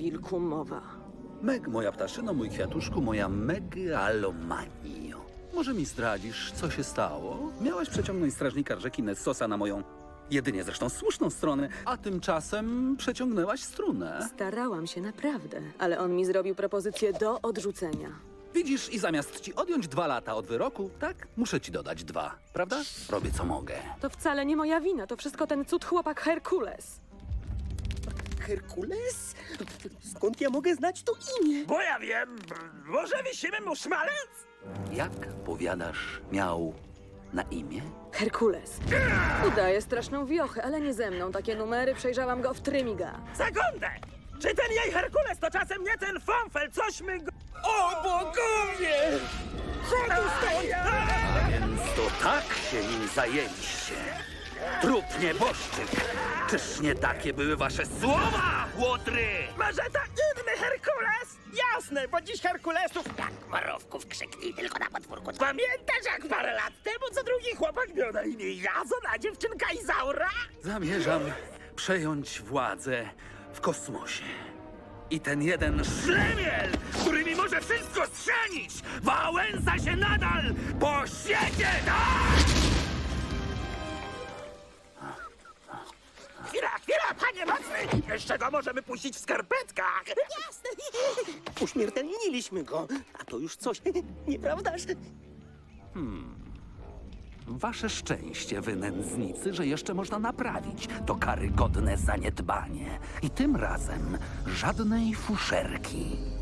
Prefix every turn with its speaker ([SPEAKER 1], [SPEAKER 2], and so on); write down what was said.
[SPEAKER 1] wilku mowa?
[SPEAKER 2] Meg, moja ptaszyno, mój kwiatuszku, moja megalomanio. Może mi zdradzisz, co się stało? Miałaś przeciągnąć strażnika rzeki Nessosa na moją, jedynie zresztą słuszną stronę, a tymczasem przeciągnęłaś strunę.
[SPEAKER 1] Starałam się naprawdę, ale on mi zrobił propozycję do odrzucenia.
[SPEAKER 2] Widzisz, i zamiast ci odjąć 2 lata od wyroku, tak, muszę ci dodać 2, prawda? Robię co mogę.
[SPEAKER 1] To wcale nie moja wina, to wszystko ten cud chłopak Herkules.
[SPEAKER 3] Herkules? Skąd ja mogę znać to imię?
[SPEAKER 4] Bo ja wiem, może wisimy mu szmalec?
[SPEAKER 2] Jak, powiadasz, miał na imię?
[SPEAKER 1] Herkules. Udaje straszną wiochę, ale nie ze mną. Takie numery przejrzałam go w Trymiga.
[SPEAKER 4] Sekundę! Czy ten jej Herkules to czasem nie ten Fąfel? Cośmy go... O bogowie! Co tu stoi?
[SPEAKER 2] A więc to tak się nim zajęliście. Trup nieboszczyk. Czyż nie takie były wasze słowa, łotry?
[SPEAKER 4] Może to inny Herkules? Jasne, bo dziś Herkulesów jak marowków krzyknij tylko na podwórku. Pamiętasz, jak parę lat temu co drugi chłopak miał na imię Jazon, a dziewczynka Izaura?
[SPEAKER 2] Zamierzam przejąć władzę w kosmosie. I ten jeden szlemiel, który mi może wszystko strzenić, wałęsa się nadal po świecie, tak?
[SPEAKER 4] Chwila, panie mocny! Jeszcze go możemy puścić w skarpetkach!
[SPEAKER 3] Jasne. Uśmiertelniliśmy go. A to już coś, nieprawdaż?
[SPEAKER 2] Wasze szczęście, wy nędznicy, że jeszcze można naprawić to karygodne zaniedbanie. I tym razem żadnej fuszerki.